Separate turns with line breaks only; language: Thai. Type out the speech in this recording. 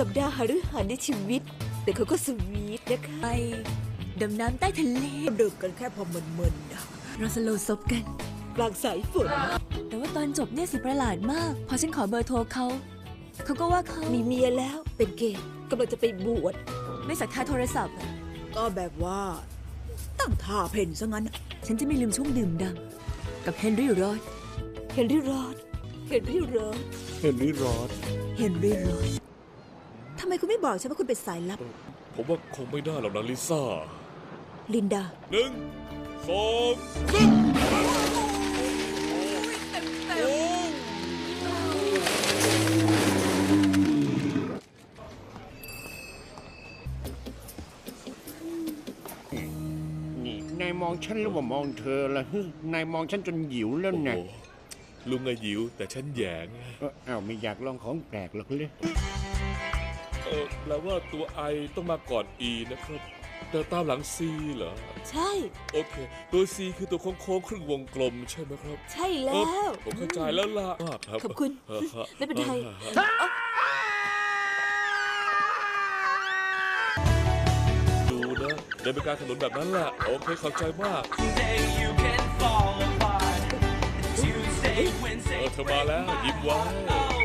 สัปดาห์หฤหัสในชีวิตแต่เขาก็สวีทนะคะไปดำน้ำใต้ทะเลดื่มกันแค่พอมึนๆนะเราสโลว์ซบกันกลางสายฝนแต่ว่าตอนจบเนี่ยสิประหลาดมากพอฉันขอเบอร์โทรเขาก็ว่าเขามีเมียแล้วเป็นเกย์กำลังจะไปบวชไม่สักท่าโทรศัพท์ก็แบบว่าตั้งท่าเพ่นซะงั้นฉันจะไม่ลืมช่วงดื่มดำกับเฮนรี่รอดทำไมคุณไม่บอกฉันว่าคุณเป็นสายลับ
ผมว่าคงไม่ได้หรอกนะลิซ่า
ลินดา
1 2 3
นี่นายมองฉันหรือว่ามองเธอล่ะนายมองฉันจนหิวแล้วนะ
ลุงไงหิวแต่ฉันแยง
ไม่อยากลองของแปลกหรอกเลย
แปลว่าตัวไอต้องมาก่อน E นะครับแต่ตามหลัง C เหรอ
ใช่
โอเคตัว C คือตัวโค้งครึ่งวงกลมใช่ไหมครับ
ใช่แล้ว
ผมเข้าใจแล้วล่ะครับ
ขอบคุณไม่เป็นไร
ดูนะเดินไปกลางถนนแบบนั้นแหละโอเคเข้าใจมากเธอมาแล้วยิ้มไว้